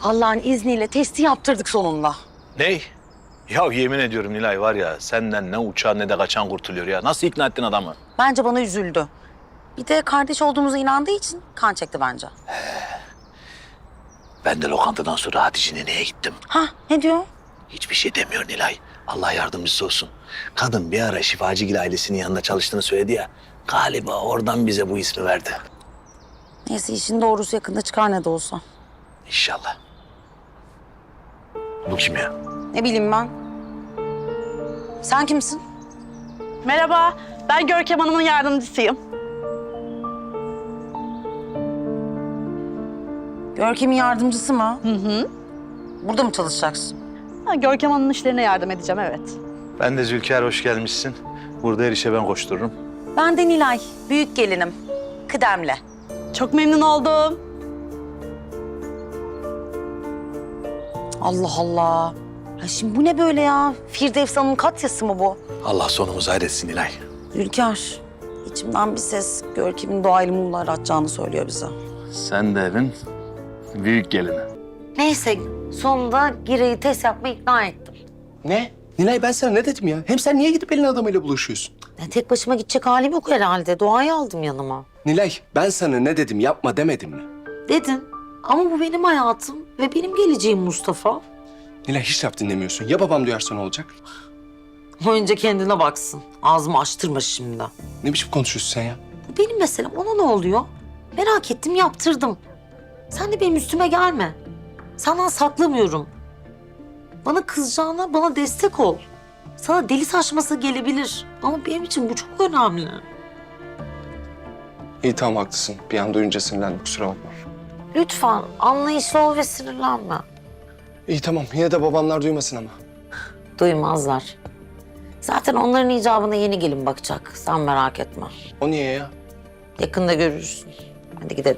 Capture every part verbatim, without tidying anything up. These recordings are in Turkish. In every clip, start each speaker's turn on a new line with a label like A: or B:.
A: Allah'ın izniyle testi yaptırdık sonunda.
B: Ney? Ya yemin ediyorum Nilay var ya senden ne uçan ne de kaçan kurtuluyor ya. Nasıl ikna ettin adamı?
A: Bence bana üzüldü. Bir de kardeş olduğumuza inandığı için kan çekti bence.
B: Ben de lokantadan sonra Hatice neneye gittim.
A: Ha, ne diyor?
B: Hiçbir şey demiyor Nilay. Allah yardımcısı olsun. Kadın bir ara Şifacıgil ailesinin yanında çalıştığını söyledi ya. Galiba oradan bize bu ismi verdi.
A: Neyse işin doğrusu yakında çıkar ne de olsa.
B: İnşallah. Bu kim ya?
A: Ne bileyim ben. Sen kimsin?
C: Merhaba, ben Görkem Hanım'ın yardımcısıyım.
A: Görkem'in yardımcısı mı?
C: Hı hı.
A: Burada mı çalışacaksın?
C: Ha, Görkem Hanım'ın işlerine yardım edeceğim, evet.
B: Ben de Zülker, hoş gelmişsin. Burada her işe ben koştururum.
A: Ben de Nilay, büyük gelinim. Kıdemli.
C: Çok memnun oldum.
A: Allah Allah. Ya şimdi bu ne böyle ya? Firdevs Hanım'ın katyası mı bu?
B: Allah sonumuzu hayretsin Nilay.
A: Zülker, içimden bir ses Görkem'in doğayla mumlar atacağını söylüyor bize.
B: Sen de evin büyük gelini.
A: Neyse, sonunda Gire'yi test yapmaya ikna ettim.
D: Ne? Nilay ben sana ne dedim ya? Hem sen niye gidip elin adamıyla buluşuyorsun?
A: Ya tek başıma gidecek halim yok herhalde. Doğayı aldım yanıma.
D: Nilay ben sana ne dedim yapma demedim mi?
A: Dedin ama bu benim hayatım ve benim geleceğim Mustafa.
D: Nilay hiç laf dinlemiyorsun. Ya babam duyarsa ne olacak?
A: Önce kendine baksın. Ağzımı açtırma şimdi.
D: Ne biçim konuşuyorsun sen ya?
A: Bu benim meselem. Ona ne oluyor? Merak ettim, yaptırdım. Sen de benim üstüme gelme. Senden saklamıyorum. Bana kızacağına bana destek ol. Sana deli saçması gelebilir. Ama benim için bu çok önemli.
D: İyi tamam haklısın. Bir an duyunca sinirlendim kusura bakma.
A: Lütfen anlayışlı ol ve sinirlenme.
D: İyi tamam yine de babamlar duymasın ama.
A: Duymazlar. Zaten onların icabına yeni gelin bakacak. Sen merak etme.
D: O niye ya?
A: Yakında görürsün. Hadi gidelim.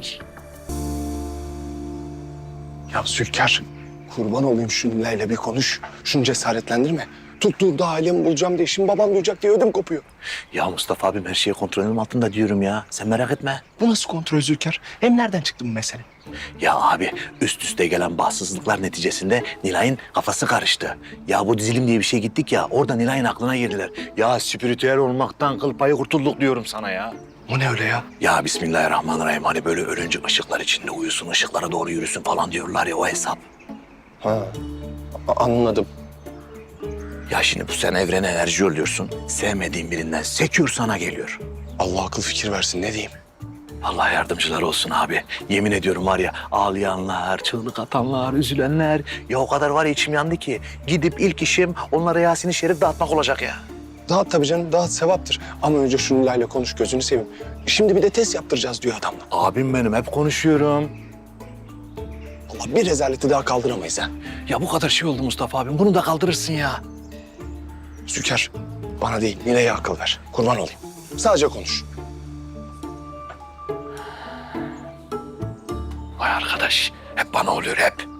D: Ya Zülker kurban olayım şu Nilay'la bir konuş. Şunu cesaretlendirme. Tuttuğunda ailemi bulacağım diye şimdi babam duyacak diye ödüm kopuyor.
B: Ya Mustafa abim her şeyi kontrolüm altında diyorum ya. Sen merak etme.
D: Bu nasıl kontrol Zülker? Hem nereden çıktı bu mesele?
B: Ya abi üst üste gelen bahtsızlıklar neticesinde Nilay'ın kafası karıştı. Ya bu dizilim diye bir şey gittik ya orada Nilay'ın aklına girdiler. Ya spiritüel olmaktan kıl payı kurtulduk diyorum sana ya.
D: O ne öyle ya?
B: Ya Bismillahirrahmanirrahim hani böyle ölünce ışıklar içinde uyusun, ışıklara doğru yürüsün falan diyorlar ya o hesap.
D: Ha a- anladım.
B: Ya şimdi bu sen evrene enerji yolluyorsun. Sevmediğin birinden sekiyor sana geliyor.
D: Allah akıl fikir versin ne diyeyim?
B: Allah yardımcılar olsun abi. Yemin ediyorum var ya ağlayanlar, çığlık atanlar, üzülenler. Ya o kadar var ya içim yandı ki. Gidip ilk işim onlara Yasin-i Şerif dağıtmak olacak ya.
D: Dağıt tabii canım, dağıt sevaptır. Ama önce şu Nilay'la konuş, gözünü seveyim. Şimdi bir de test yaptıracağız diyor adamla.
B: Abim benim hep konuşuyorum.
D: Allah bir rezaleti daha kaldıramayız ha.
B: Ya bu kadar şey oldu Mustafa abim. Bunu da kaldırırsın ya.
D: Zülker, bana değil Nilay'a akıl ver. Kurban olayım. Sadece konuş.
B: Vay arkadaş. Hep bana oluyor hep.